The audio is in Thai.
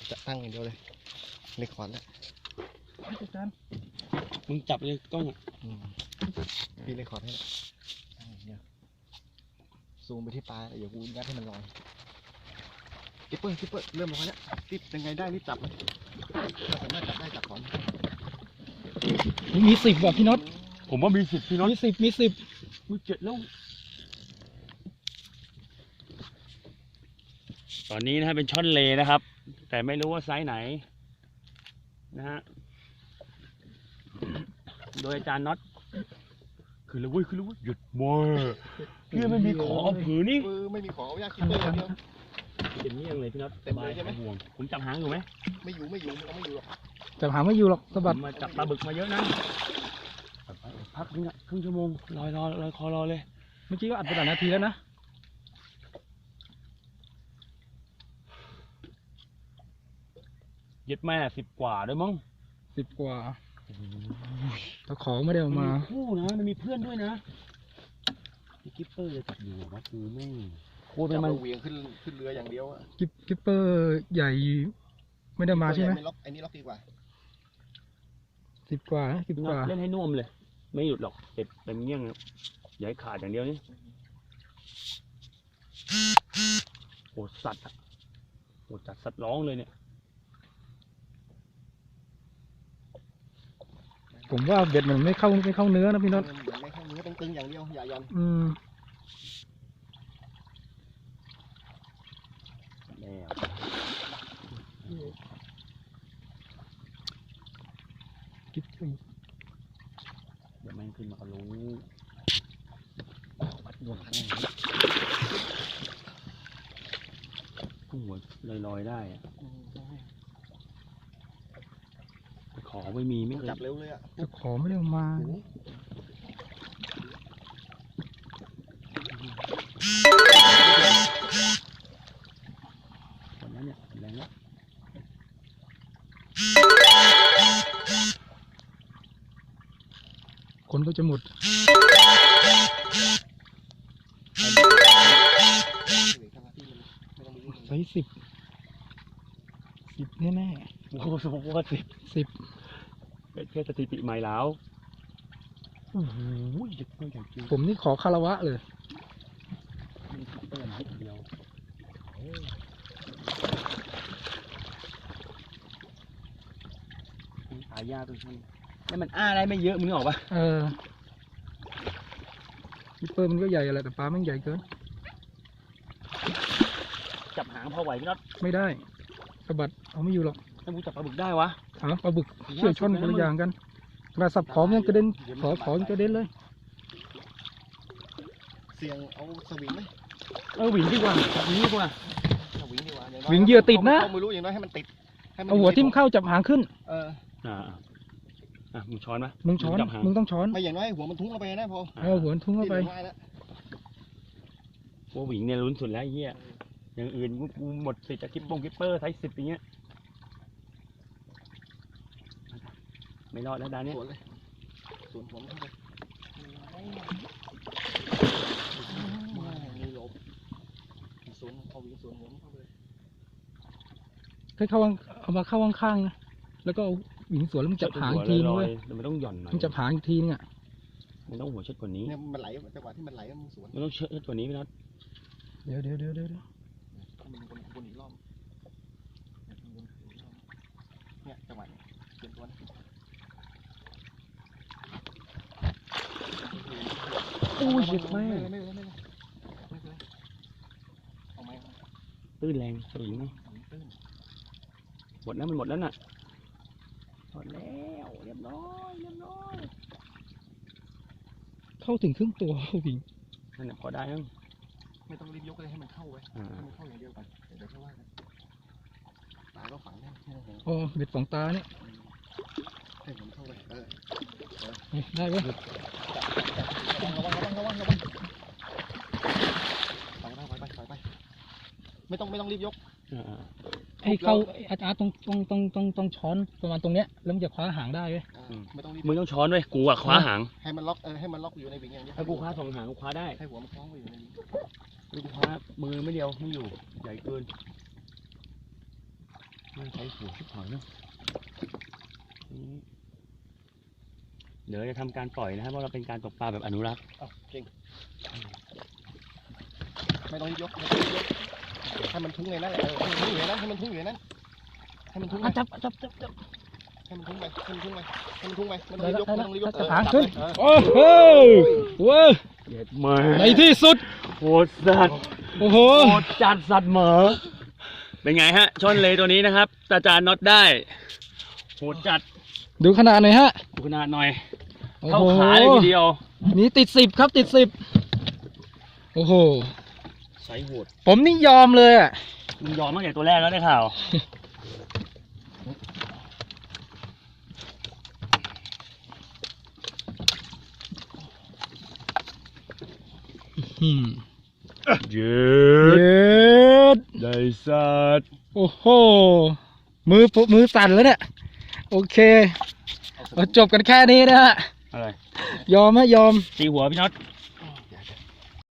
จะตั้งอย่างเดียวเลยเล็กขวานแล้วอาจารย์มึงจับเลยกล้องพี่เล็กขวานให้ละเนี่ยซูมไปที่ปลาเดี๋ยวกูยัดให้มันลอยกิ๊ปเปอร์เริ่มลอยแล้วรีบยังไงได้รีบจับมันถ้าสามารถจับได้จับก่อนมี10ว่ะพี่น็อตผมว่ามี10พี่น็อตมี10มี 7แล้วตอนนี้นะฮะเป็นช่อนเลนะครับแต่ไม่รู้ว่าไซส์ไหนนะฮะโดยอาจารย์น็อตคือเลยเว้ยหยุดมวยเพื่อไม่มีขอเอาผือนี่ไม่มีขอเอายากคิปเปอร์อย่างเดียวเป็นเงี้ยงเลยพี่น็อตเต็มเลยใช่ไหมห่วงผมจับหางอยู่ไหมไม่อยู่มันก็ไม่อยู่หรอกจับหางไม่อยู่หรอกสะบัดมาจับปลาบึกมาเยอะนะพักครึ่งชั่วโมงลอยคอรอเลยเมื่อกี้ก็อัดไปหลายนาทีแล้วนะยึดแม่10 กว่าด้วยมั้ง 10 กว่าตะขอไม่ได้ออกมาคู่นะมันมีเพื่อนด้วยนะกิ๊ปเปอร์จะจับอยู่ว่าคือแม่โคตรมันเหวี่ยงขึ้นเรืออย่างเดียวอะกิ๊ปเปอร์ใหญ่ไม่ได้มาใช่ไหมไอ้นี่ล็อกดีกว่า 10 กว่าเล่นให้นุ่มเลยไม่หยุดหรอกเต็มเงี้ยงอย่าให้ขาดอย่างเดียวนี่โหสัตว์โหจัดสัตว์ร้องเลยเนี่ยผมว่าเบ็ดมันไม่เข้าเนื้อนะพี่น็อตไม่เข้าเนื้อตึงอย่างเดียวอย่ายันกิ๊บเดี๋ยวแม่งขึ้นมาก็รู้วัดดวงหัวลอยได้ขอไม่มีไม่จับเร็วเลยอ่ะจะขอไม่ได้มาตอนนั้นเนี่ยแรงแล้วคนก็จะหมดไซส์10แน่โอ้โหสมมติว่า10แค่สถิติใหม่แล้วโอ้โหผมนี่ขอคารวะเลยมีคิปเปอร์นิดเดียวตายยากตัวนี้แล้วมันได้ไม่เยอะมึงออกปะคิปเปอร์มันก็ใหญ่อะไรแต่ปลามันใหญ่เกินจับหางพอไหวพี่น็อตไม่ได้สะบัดเอาไม่อยู่หรอกถ้ามึงจับปลาบึกได้วะปลาบึกเชื่อช่อนคนละอย่างกันกระสับขอมันกระเด็นขอมันกระเด็นเลยเสียงเอาสวิงไหมวิ่งดีกว่าวิ่งดีกว่าวิ่งเหยื่อติดนะไม่รู้อย่างน้อยให้มันติดเอาหัวทิ่มเข้าจับหางขึ้นมึงช้อนไหมมึงช้อนมึงต้องช้อนไม่อย่างน้อยหัวมันทุ่งเข้าไปนะพอหัวทุ่งเข้าไปว่าวิ่งเนี่ยลุ้นสุดแล้วเฮียอย่างอื่นกูหมดสิทธิ์จะกิ๊ปเปอร์ไซส์10อย่างเงี้ยไม่รอดแล้วดานี้สวนผมเข้าไปมีลบสวนเอาวิ่งสวนผมเข้าไปให้เข้าเอามาเข้าข้างๆนะแล้วก็วิ่งสวนแล้วมันจับหางทีนึงเลยมันต้องหย่อนหน่อยมันจับหางทีนึงมันต้องหัวเชิดกว่านี้เนี่ยมันไหลจังหวะที่มันไหลมันสวนมันต้องเชิดกว่านี้พี่น็อตเดี๋ยวมันวนอีกรอบเนี่ยจังหวะเปลี่ยนตัวโอ้ยเจ็บแม่ตื้นแรงสวิงไหมหมดแล้วมันหมดแล้วน่ะหมดแล้วเรียบร้อยเข้าถึงครึ่งตัววิ่งนั่นแหละพอได้แล้วไม่ต้องรีบยกเลยให้มันเข้าไว้ให้มันเข้าอย่างเดียวก่อนเดี๋ยวค่อยว่ากันตาก็ฝังได้เบ็ดฝังตาเนี่ยให้ผมเข้าไปได้เว้ยระวังไปไม่ต้องรีบยกให้เข้าอาจารย์ต้องช้อนประมาณตรงเนี้ยแล้วมันจะคว้าหางได้เว้ยไม่ต้องรีบมึงต้องช้อนด้วยกูอะคว้าหางให้มันล็อกอยู่ในวิ่งอย่างเดียวให้กูคว้า2 หางกูคว้าได้ให้หัวมันคล้องไปอยู่ในวิ่งกูคว้ามือไม่เดียวไม่อยู่ใหญ่เกินมันใช้หัวชิบหายเนาะเดี๋ยวจะทำการปล่อยนะครับเพราะเราเป็นการตกปลาแบบอนุรักษ์อ้าวเก่งไม่ต้องยกไม่ต้องยกให้มันทุ่งในนั้นแหละให้มันทุ่งอยู่ในนั้นให้มันทุ่งอยู่ในนั้นให้มันทุ่งไปจับให้มันทุ่งไปให้มันทุ่งไปให้มันทุ่งไปไม่ต้องยกไม่ต้องยกจะหางขึ้นจับเลยโอ้โหเว้ยเด็ดมาในที่สุดโหดสัตว์โอ้โหโหดจัดสัตว์เหมอเป็นไงฮะช่อนเลตัวนี้นะครับตาจานน็อตได้โหดจัดดูขนาดหน่อยฮะดูขนาดหน่อยโอ้เข้าโหขาเลยทีเดียวนี่ติด10ครับติด10โอ้โหไซส์โหดผมนี่ยอมเลยอ่ะมึงยอมตั้งแต่ตัวแรกแล้วได้ข่าวอืมเย็เย็ดได้สัตว์โอ้โห มือสั่นแล้วเนี่ย โอเคเราจบกันแค่นี้นะฮะอะไรยอมไหมยอมตีหัวพี่น็อต